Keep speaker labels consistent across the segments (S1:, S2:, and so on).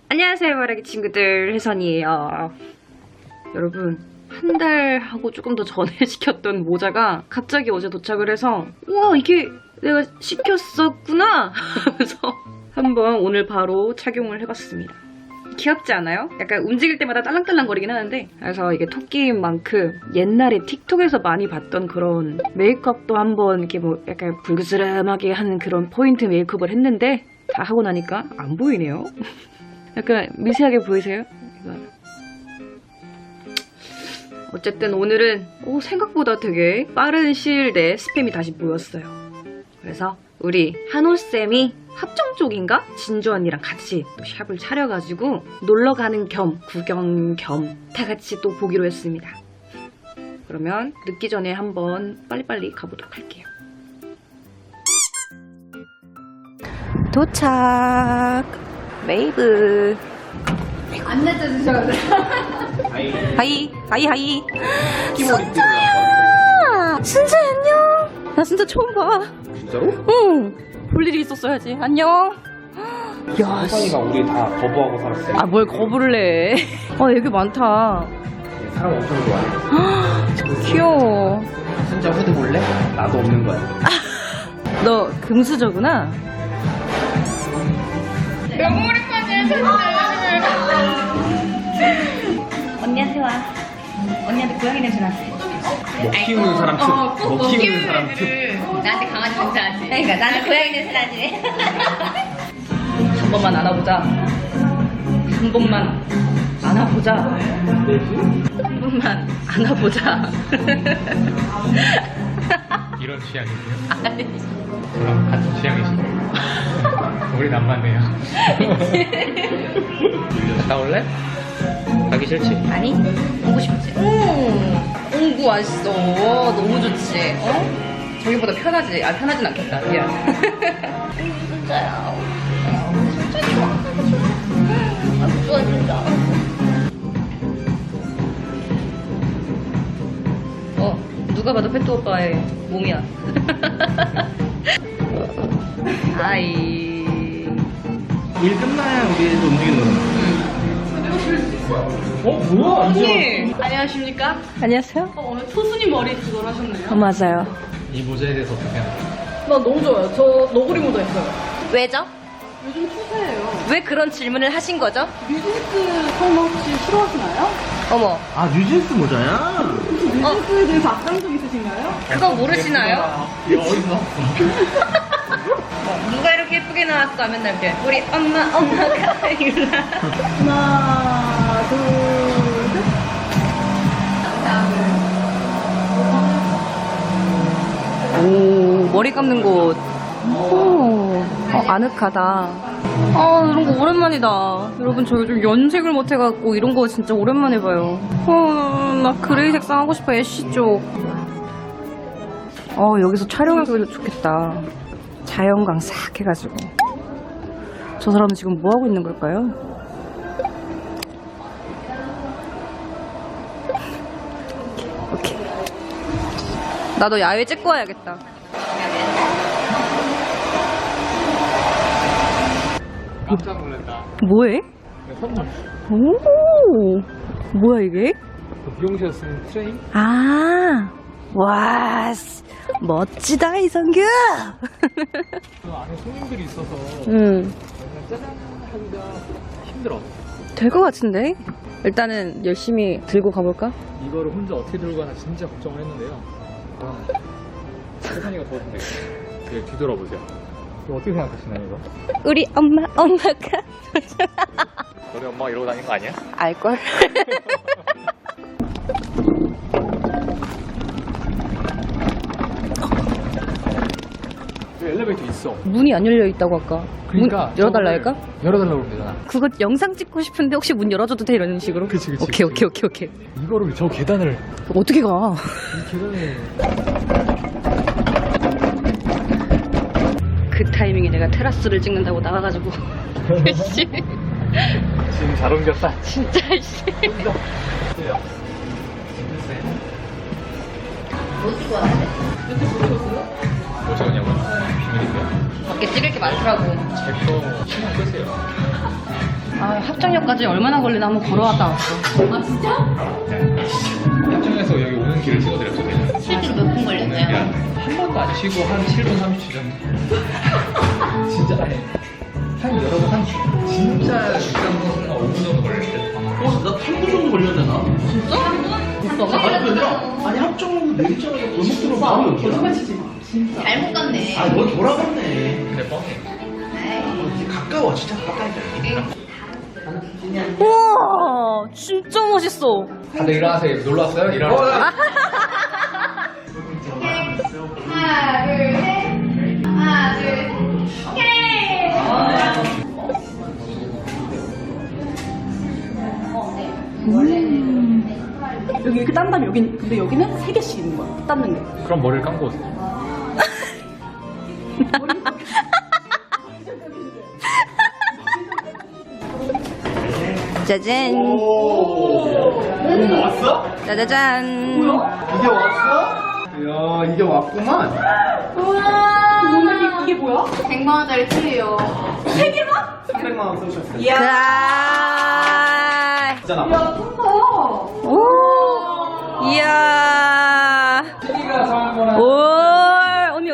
S1: 안녕하세요, 바라기 친구들, 혜선이에요. 여러분, 한 달하고 조금 더 전에 시켰던 모자가 갑자기 어제 도착을 해서 우와, 이게 내가 시켰었구나 하면서 한번 오늘 바로 착용을 해봤습니다. 귀엽지 않아요? 약간 움직일 때마다 딸랑딸랑 거리긴 하는데, 그래서 이게 토끼인 만큼 옛날에 틱톡에서 많이 봤던 그런 메이크업도 한번 이렇게 뭐 약간 불그스름하게 하는 그런 포인트 메이크업을 했는데 다 하고 나니까 안 보이네요. 약간 미세하게 보이세요? 이거. 어쨌든 오늘은 생각보다 되게 빠른 시일 내에 스팸이 다시 모였어요. 그래서 우리 한호쌤이 합정 쪽인가? 진주 언니랑 같이 또 샵을 차려가지고 놀러가는 겸 구경 겸 다 같이 또 보기로 했습니다. 그러면 늦기 전에 한번 빨리빨리 가보도록 할게요. 도착! 메이브.
S2: 안 늦어주셔도 돼요.
S1: 하이.
S3: 순자야! 순자 안녕! 나 진짜 처음 봐.
S4: 진짜로?
S3: 응. 볼 일이 있었어야지. 안녕. 야,
S4: 선이가 우리 다 거부하고 살았어요.
S3: 아, 뭘 거부를 해. 얘기 많다.
S4: 사람 엄청 좋아해.
S3: 귀여워.
S4: 순자 후드 볼래? 나도 없는 거야.
S3: 너 금수저구나?
S2: 너무 오랜만이야, 진짜.
S1: 언니한테 와. 언니한테 고양이 냄새 났어.
S4: 먹 키우는 사람 특. 먹 키우는 사람 특.
S2: 나한테 강아지 냄새 나지?
S1: 그러니까 나는 고양이 냄새 나지.
S3: 한 번만 안아보자. 한 번만 안아보자. 한 번만 안아보자.
S5: 이런 취향이세요? 저랑 같은 취향이시네요. 우린 안 맞네요. 갔다 올래? 가기 싫지?
S3: 아니, 오고 싶지. 옹구 왔어. 너무 좋지. 저기보다 편하지. 편하진 않겠다. 미안. 진짜야. 진짜 좋아. 좋아, 진짜. 누가 봐도 페트 오빠의 몸이야. 아이.
S4: 일 끝나야 우리도 움직이는 거야. 뭐야?
S3: 언니.
S2: 안녕하십니까?
S3: 안녕하세요.
S2: 오늘 토순이 머리 그걸 하셨네요.
S3: 맞아요.
S5: 이 모자에 대해서 어떻게 생각해요?
S2: 나 너무 좋아요. 저 너구리 모자 있어요.
S3: 왜죠?
S2: 요즘 추세예요.
S3: 왜 그런 질문을 하신 거죠?
S2: 뮤직스 설마 혹시 싫어하시나요?
S3: 어머,
S4: 아 뉴진스 모자야?
S2: 혹시 뮤직스에 대해서 악감정 있으신가요?
S3: 그거 모르시나요?
S5: 이거 어디서 나왔어?
S3: 누가 이렇게 예쁘게 나왔어? 맨날 이렇게 우리 엄마가 일라.
S2: 하나, 둘, 셋.
S3: 오, 머리 감는 곳. 오, 아늑하다. 이런 거 오랜만이다. 여러분, 저 요즘 연색을 못 해갖고 이런 거 진짜 오랜만에 봐요. 나 그레이 색상 하고 싶어, 애쉬 쪽. 여기서 촬영하기도 좋겠다. 자연광 싹 해가지고. 저 사람은 지금 뭐 하고 있는 걸까요? 오케이. 나도 야외 찍고 와야겠다.
S5: 깜짝 놀랐다.
S3: 뭐해?
S5: 선물.
S3: 오, 뭐야 이게?
S5: 미용실에서 쓰는 트레인?
S3: 와, 멋지다 이성규.
S5: 그 안에 손님들이 있어서
S3: 응,
S5: 짜잔 하기가 힘들어.
S3: 될 것 같은데. 일단은 열심히 들고 가볼까?
S5: 이거를 혼자 어떻게 들고 가나 진짜 걱정을 했는데요. 세상이가 도와준대. 네, 뒤돌아보세요. 이거 어떻게 생각하시나요, 이거?
S3: 우리 엄마가
S5: 너네 엄마가 이러고 다니는 거 아니야?
S3: 알걸?
S5: 여기 엘리베이터 있어.
S3: 문이 안 열려 있다고 아까.
S5: 그러니까
S3: 문 열어달라 할까?
S5: 열어달라고 그러면 되잖아.
S3: 그거 영상 찍고 싶은데 혹시 문 열어줘도 돼 이런 식으로?
S5: 그치.
S3: 오케이.
S5: 이거를 저 계단을
S3: 어떻게 가?
S5: 이 계단을
S3: 그 타이밍에 내가 테라스를 찍는다고 나가가지고. 씨.
S5: 지금 잘 옮겼다.
S3: 진짜 씨.
S5: 뭐 찍었냐고요? 비밀인데요?
S3: 밖에 찍을 게 많더라고.
S5: 제거 신경 끄세요.
S1: 아, 합정역까지 얼마나 걸리나 한번 걸어왔다 왔어.
S3: 아 진짜?
S4: 합정에서 여기 오는 길을 찍어드렸죠. 내가.
S3: 실제로 몇 분 걸렸나요?
S4: 한 번도 안 쉬고 한 7분 30초 정도. 진짜 아니 한 여러분 한 진짜 육상선수가 5분 정도 걸릴 때.
S6: 나 8분 정도 걸렸잖아.
S3: 진짜?
S6: 아니 합정으로 내리자마자 골목 들어 바로 여기야.
S2: 거짓말 치지 마.
S3: 잘못 갔네.
S6: 아니 넌 돌아갔네.
S4: 근데 뻥해.
S6: 가까워 진짜 가까이다.
S3: 우와 진짜 멋있어.
S4: 다들 일어나세요. 놀러 왔어요? 일어나세요.
S7: 하나, 둘, 셋. 하나, 둘, 셋.
S2: 여기 이렇게 딴 다음에 여긴 근데 여기는 3개씩 있는 거야. 닦는 게.
S5: 그럼 머리를 감고 오세요.
S3: 짜잔.
S6: 왔어?
S3: 짜자잔.
S6: 이제 왔어? 이야 이제 왔구만.
S2: 이게 뭐야?
S7: 100만 원짜리 틀이에요.
S6: 300만 원 쓰셨어요.
S3: 자.
S6: 진짜 나.
S3: 오. 이야. 오. 언니.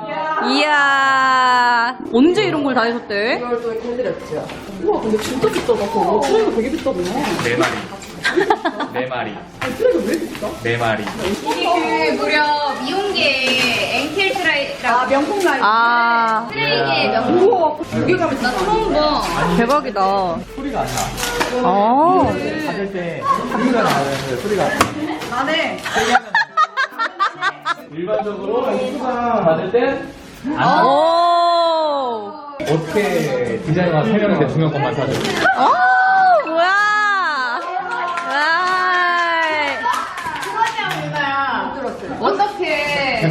S3: 이야. 언제 이런 걸 다 해줬대?
S2: 우와 근데 진짜 비싸다. 그거. 트레이가 되게 비싸네.
S4: 4마리. 4마리.
S2: 트레이가 왜 비싸?
S4: 4마리.
S7: 이게 그 무려 미용계 앵켈 트라이라고
S2: 명품 라인.
S3: 아.
S7: 트레이계 명품.
S2: 우와 여기 가면 진짜
S7: 처음 봐.
S3: 대박이다.
S6: 소리가 안 나.
S3: 아.
S6: 받을 때 소리가 나는데 소리가.
S2: 안에
S6: 일반적으로 수강 받을 때
S3: 오.
S5: 어떻게 디자이너가 3명인데 2명 것만 사죠?
S3: 오, 뭐야. 와이.
S7: 그거냐 누나야. 어떡해.
S5: 됐어.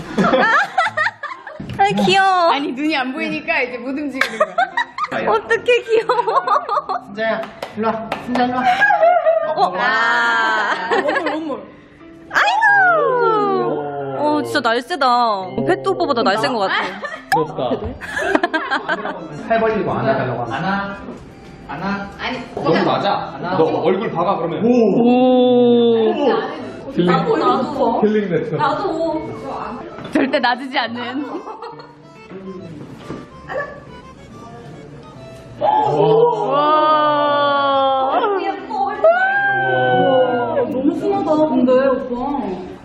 S3: 아, 귀여워.
S7: 아니 눈이 안 보이니까 이제 못 움직이는 거야.
S3: 어떡해, 귀여워.
S6: 진짜야 일로 와. 진짜 일로 와.
S3: 아.
S2: 원물.
S3: 아이고. 진짜 날쌔다. 펫도 오빠보다 날쌘 것 같아.
S5: 부럽다.
S6: 팔 벌리고 안아달라고 하나. 안아.
S7: 아니
S4: 너도 맞아. 너 얼굴 봐봐 그러면.
S3: 오.
S5: 힐링 네트.
S7: 절대 놔주지 않는.
S3: 와.
S2: 너무 순하다 근데 오빠.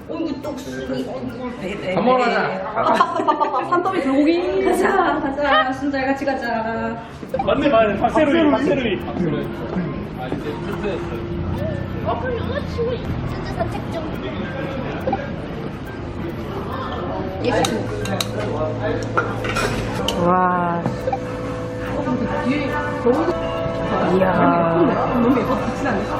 S4: 밥 먹으러 가자.
S2: 산더미 불고기.
S3: 가자. 순잘 같이 가자.
S5: 맞네. 박세로이.
S3: 와. 이야.
S2: 너무 예뻐. 그렇진 않아.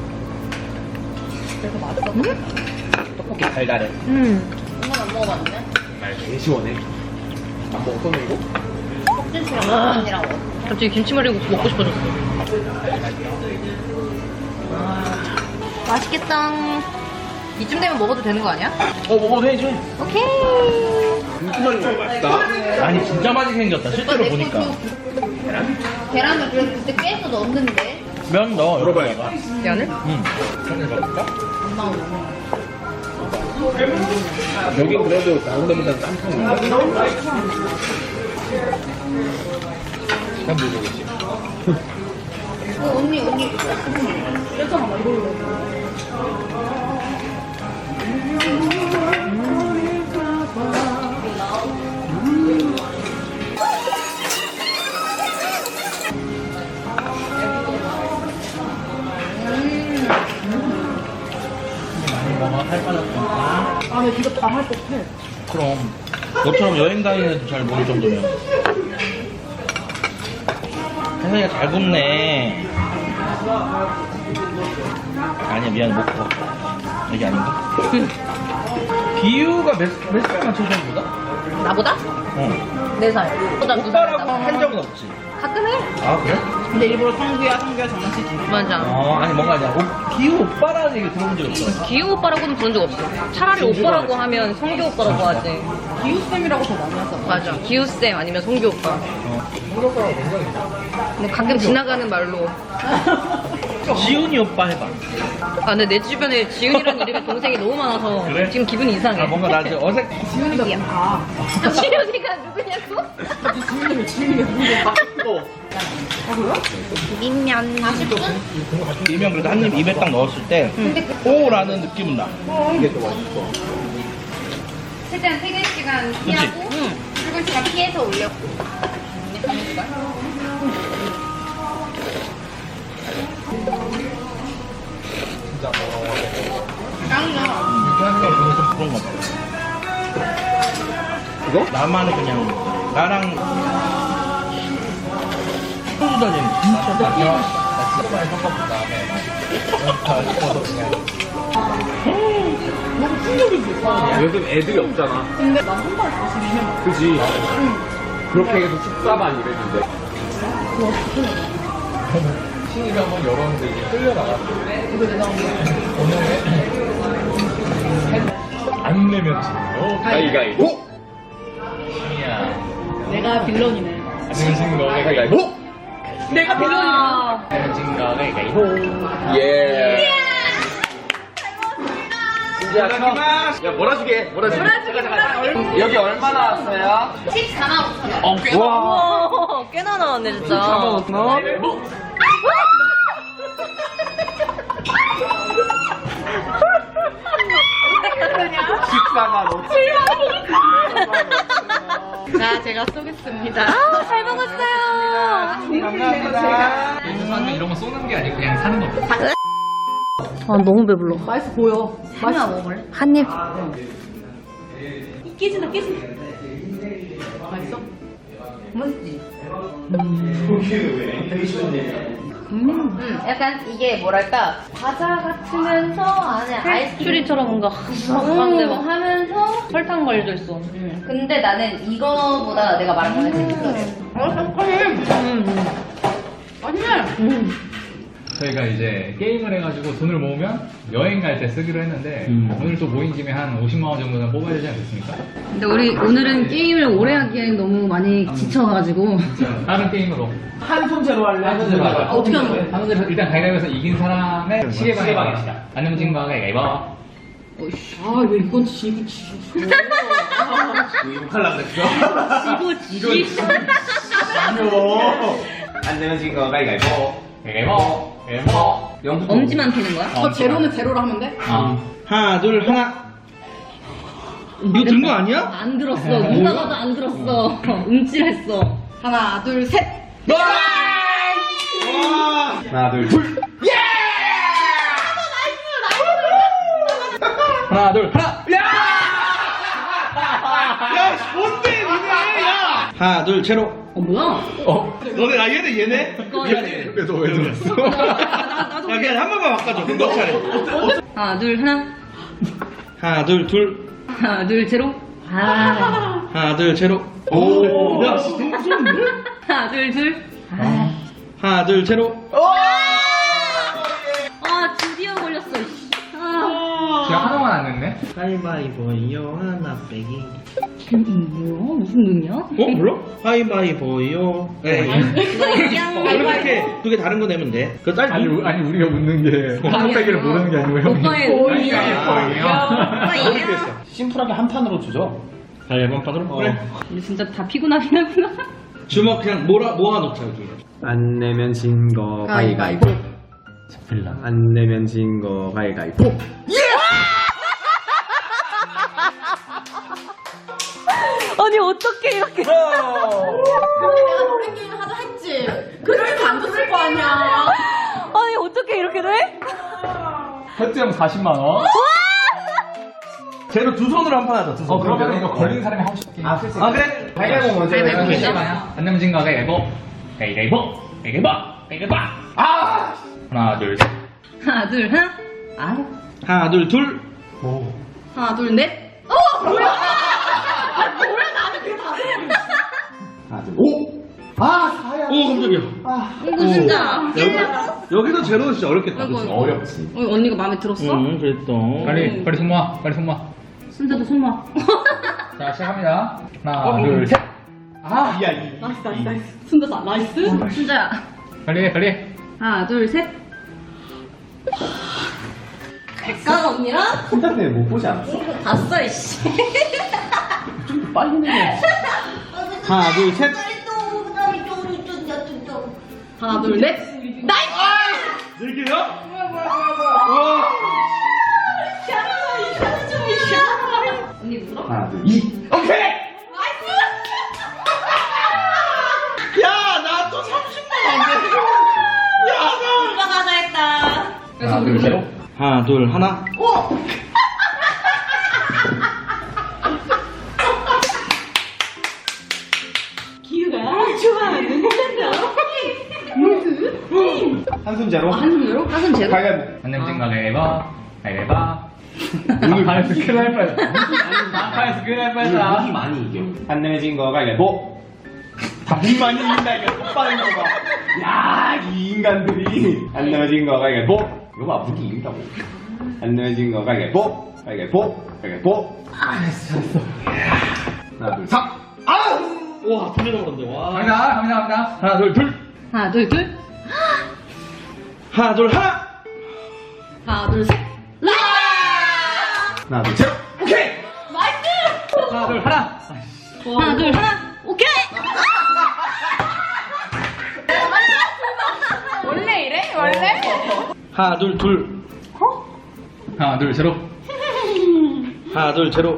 S6: 떡볶이 달달해.
S7: 엄마는 안 먹어봤는데?
S6: 말 되게 시원해. 안 먹었어 이거?
S7: 꼭지치랑 언니랑 먹어.
S3: 갑자기 김치말이국수 먹고 싶어졌어. 맛있겠다. 이쯤 되면 먹어도 되는 거 아니야?
S6: 먹어도 되지.
S3: 오케이.
S6: 맛있다. 아니 진짜 맛있게 생겼다. 실제로 보니까.
S7: 계란을 그래도 그때 깨서 넣었는데
S6: 면 넣어. 열어봐야가.
S3: 면을?
S6: 응. 면을 먹을까?
S7: 엄마가 먹어.
S6: 여긴 그래도 다른 데보다 딴 편인가? 난 모르겠지.
S7: 언니
S6: 많이 먹어. 살 빠졌으니까.
S2: 아니 이거 다 할 법해.
S6: 그럼. 너처럼 여행 다니는 애도 잘 모를 정도면. 혜선이가 잘 굽네. 아니야, 미안해, 못 구워. 여기 아닌가? 비유가 몇 살만 쳐준보다?
S3: 나보다?
S6: 어.
S3: 4살. 보다
S6: 오빠라고 한 적은 없지.
S3: 가끔 해.
S6: 아, 그래?
S2: 근데 일부러 성규야 장난치지.
S3: 맞아.
S6: 아니, 뭔가 이제 비유 오빠라는 얘기 들어본 적 없어.
S3: 기우 오빠라고는 부른 적 없어. 차라리 오빠라고 하면 성규 오빠라고 하지.
S2: 기우쌤이라고 더 많이 하잖아.
S3: 맞아. 기우쌤 아니면 송교 오빠.
S4: 성격과랑 굉장히
S3: 뭐 가끔 지나가는 말로.
S6: 지훈이 오빠 해봐.
S3: 아, 근데 내 주변에 지은이라는 이름의 동생이 너무 많아서
S6: 그래?
S3: 지금 기분이 이상해.
S6: 아 뭔가 나 이제 어색.
S2: 지훈이가
S3: 지은이가 누구냐고?
S2: 지훈이가 누군데?
S3: 비빔면.
S6: 이면 그래도 한 입 입에 딱 넣었을 때 오라는 느낌은 나.
S4: 이게 더 맛있어.
S7: 최대한 퇴근 시간 피하고 출근 시간 피해서 올려.
S4: 진짜
S7: 짱이야.
S6: 이렇게 하는 게 저는 좀 그런 것 같아. 이거? 나만의 그냥 나랑 소주 다니는 진짜 딱
S4: 나 진짜 많이 섞어본 다음에 다 섞어서 그냥 요즘 애들이 없잖아.
S2: 근데 난 한 달 조심해.
S4: 그지? 그렇게 해서 14만 이랬는데 신입이 한번 열었는데 이게 끌려나갔어. 오늘 안 내면 진거 가위가위보. 신이야
S2: 내가 빌런이네.
S4: 안 내면 진거 가위가위보.
S2: 내가 빌런이네.
S4: 안 내면 진거 가위가위보. 예. 야, 야, 몰아주게, 몰아주게. 여기 얼마 나왔어요?
S7: 14만 5천 원.
S4: 와.
S3: 오, 꽤나 나왔네, 진짜.
S7: 자, 제가 쏘겠습니다.
S3: 잘 먹었어요.
S4: 감사합니다. 사는 이런 거 쏘는 게 아니고 그냥 사는 거죠.
S3: 아, 너무 배불러.
S2: 맛있어 보여.
S7: 하나 먹을래?
S3: 한 입.
S2: 깨진다 깨진다. 맛있어?
S7: 약간 이게 뭐랄까 과자 같으면서 안에 아이스크림
S3: 추리처럼 뭔가
S7: 음,
S3: 막
S7: 하면서
S3: 설탕 걸려 있어.
S7: 근데 나는 이거보다 내가 말한 거는 재밌어.
S4: 저희가 이제 게임을 해가지고 돈을 모으면 여행 갈 때 쓰기로 했는데 오늘 또 모인 김에 한 50만 원 정도는 뽑아야 되지 않겠습니까?
S1: 근데 우리 오늘은 게임을 오래 하기엔 너무 많이 지쳐가지고
S4: 다른 게임으로
S6: 한 손제로 할래? 한 손제로 할래?
S2: 어떻게 하는 거야?
S4: 하는 대로 일단 가위바위보에서 이긴 사람의 시계방에 합시다. 안 넘진 거 가위바위보.
S2: 아왜 이건 지고 지고.
S6: 욕할라 그랬어? 안 되면 지금 거 가위가위보.
S4: 가위바위보. 가위바위보.
S3: 엄지만 피는 거야?
S2: 저 제로는 제로로 하면 돼?
S6: 하나 둘 하나. 이거 든 거 아니야?
S3: 안 들었어. 누가 봐도 안 들었어. 움찔했어.
S2: 하나 둘 셋.
S6: 하나 둘 둘.
S4: 하나 둘 하나.
S6: 야 뭔데 니네 야. 하나 둘 제로.
S1: 뭐야?
S6: 너네 나 얘네 얘네.
S4: 그래서 왜 들었어?
S6: 야 그냥 한 번만 바꿔줘. 그럼 너 차례.
S3: 하나, 둘, 하나.
S6: 하나 둘 둘.
S3: 하나, 둘, 제로. 아.
S6: 하나 둘 제로. 오. 야 너무 무서운데?
S3: 하나, 둘, 둘.
S6: 하나 둘 제로.
S3: 아, 드디어 걸렸어. 씨. 아.
S4: 제가 하나만 안 냈네?
S6: 가위바위보요 하나 빼기.
S3: 뭐야? 무슨 눈이야?
S6: 몰라? 가위바위보요. 네. 이렇게 두 개 다른 거 내면 돼. 그 딸.
S4: 아니 우리가 묻는 게 하나 빼기를 모르는 게 아니고 형이
S3: 오빠의
S4: 가위바위보예요.
S6: 심플하게 한 판으로 주죠. 가위바위보 한 판으로? 그래.
S3: 근데 진짜 다 피곤하긴 하구나.
S6: 주먹 그냥 모아놓자 여기.
S8: 안 내면 진 거 가위가위보. 안 내면 진 거 가위가위보.
S3: 아니, 어떻게 이렇게.
S2: 내가 노래 게임 하자 했지. 그러니까 안 줬을 거 아니야.
S3: 아니, 어떻게 이렇게 돼?
S4: 혜트형 40만 원.
S6: 쟤로 두 손으로 한 판 하자. 두 손.
S4: 그러면 이거 걸린 사람이 하고 싶게.
S6: 아 그래? 가위바위보 먼저.
S4: 안 넘진 거 가위바위보. 가위바위보. 가위바위보. 가위바위보. 아! 하나 둘 셋.
S3: 하나, 둘, 하나. 아.
S6: 하나 둘 둘.
S2: 하나 둘 넷.
S6: 오 깜짝이야.
S3: 이거 진짜.
S6: 여기도 제로는 진짜 어렵겠다. 그치?
S4: 어렵지.
S3: 언니가 마음에 들었어?
S6: 응 그랬어.
S4: 빨리 손 모아. 빨리 손 모아.
S3: 순자도 손 놔.
S4: 자, 시작합니다. 하나, 둘, 셋. 아,
S2: 나이스. 순자사, 나이스.
S1: 순자야.
S4: 빨리.
S1: 하나, 둘, 셋.
S2: 백가 언니랑
S8: 혼자 때문에 못 보지 않았어?
S2: 봤어, 이씨.
S8: 빨리 내. 하나, 둘, 셋.
S2: 하나, 둘, 넷. 나이스!
S6: 늘게요?
S2: 언니 물어?
S8: 하나, 둘, 2.
S6: 야, 나 또 30만 안 돼. 야, 나.
S2: 올라가자 했다.
S4: 하나, 둘, 셋.
S6: 하나, 둘, 하나.
S2: 기우가 좋아하는
S8: 한숨 제로.
S1: 한숨 제로.
S8: 가위바위보.
S4: 안냄진 가위바위보. 오늘 반에서 큰일 날 뻔했다. 반에서 큰일 날 뻔했다.
S8: 무기 많이 이겨. 안 내면 거 가위바위보. 무기 많이 이긴다 이거 똑바른 거 봐. 야, 이 인간들이. 안 내면 거 가위바위보. 이거 봐, 무기 이긴다고. 안 내면 거 가위바위보. 가위바위보. 잘했어. 하나, 둘, 3.
S6: 와, 두개 넘었는데, 와.
S4: 갑니다. 하나, 둘, 둘.
S1: 하나, 둘, 둘.
S6: 하나, 둘, 하나.
S2: 하나, 둘, 셋.
S8: 하나, 둘, 셋. 오케이.
S4: 하나, 둘, 하나.
S1: 하나, 둘, 하나. 오케이!
S3: 원래 이래? 원래?
S6: 하나, 둘, 둘.
S4: 하나, 둘, 제로.
S6: 하나, 둘, 제로.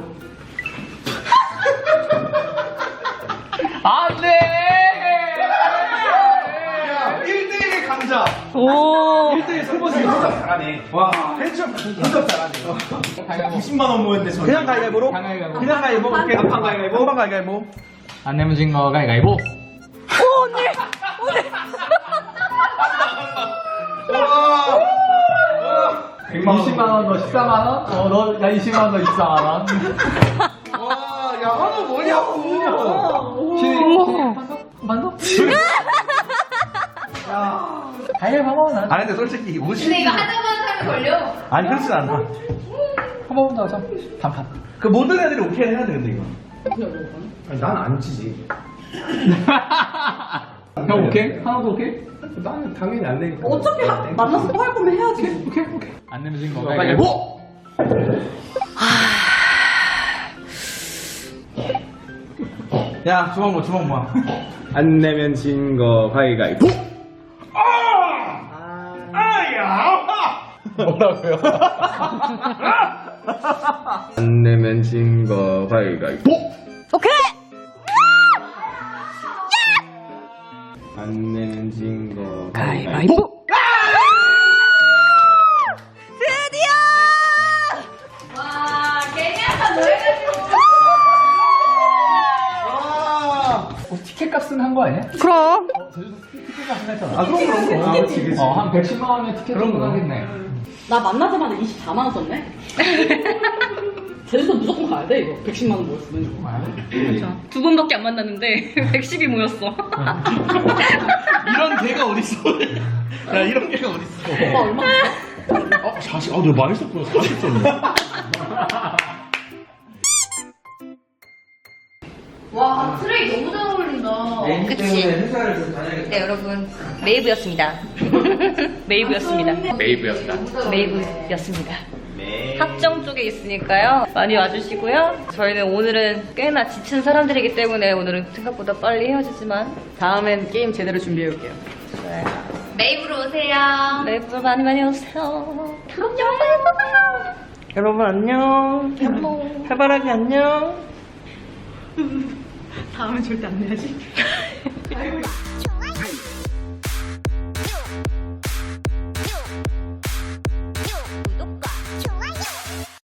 S4: 안 돼!
S6: 1대1의 강자.
S3: 오.
S6: 1대1 승부수 진짜
S8: 잘하네.
S6: 와, 해적 진짜 잘하네.
S8: 90만 원 모였는데 저.
S6: 그냥 가위바위보로?
S4: 가위바위보.
S6: 그냥 가위바위보. 오케이.
S8: 한판 가위바위보.
S6: 한판 가위바위보.
S4: 안 내면 진 거 가위바위보.
S6: 와.
S4: 20만 원, 너 14만 원? 너 20만 원, 너 24만 원.
S6: 와, 야, 하나 뭐냐고.
S4: 가위바위보 나.
S6: 아니, 근데 솔직히 50.
S7: 근데 이거 하자마자 하면 걸려.
S6: 아니, 그렇진 않아.
S4: 한 번만 더 하자. 반판.
S6: 그 모든 애들이 오케이 해야 되는데, 이거.
S8: 아니, 난 안 치지.
S4: 형 오케이? 하나도 오케이?
S8: 나는 당연히 안 되니까.
S2: 어차피 만나서 또 할 거면 해야지.
S4: 오케이. 안 내면 진 거 가위바위보.
S6: 야, 주먹 뭐, 주먹 뭐.
S8: 안 내면 진 거 가위바위보.
S4: 뭐라고요?
S8: 안 내면 진 거 가위바위보.
S3: 오케이.
S8: 안 내면 진 거 가위바위보.
S3: 드디어.
S7: 와, 괜히 한번 더 해가지고.
S4: 티켓 값은 한 거 아니야?
S3: 그럼.
S4: 제주도 티켓 값은 했잖아.
S6: 아, 그럼.
S8: 그렇지.
S4: 한 110만 원의 티켓 정도 하겠네.
S2: 나 만나자마자 24만 원 썼네. 제주도 무조건 가야 돼, 이거. 110만 원 모였으면 이거.
S1: 두 번밖에 안 만났는데 110이 모였어.
S6: 이런 개가 어딨어. 야, 이런 개가 어딨어.
S2: 오빠 얼마 썼어?
S6: 40. 아, 내가 많이 썼구나. 40 썼네.
S7: 와, 트레이 너무 잘 어울린다.
S1: 그치?
S6: 회사를 좀 다녀야겠다.
S1: 네, 여러분. 메이브였습니다. 메이브였습니다. 메이브였습니다. 합정 쪽에 있으니까요. 많이 와주시고요. 저희는 오늘은 꽤나 지친 사람들이기 때문에 오늘은 생각보다 빨리 헤어지지만 다음엔 게임 제대로 준비해올게요. 좋아요.
S7: 메이브로 오세요.
S1: 메이브 많이 많이 오세요. 다음 영상에서 봐요. 여러분 안녕. 해바라기 안녕.
S2: 다음엔 절대 안 내야지.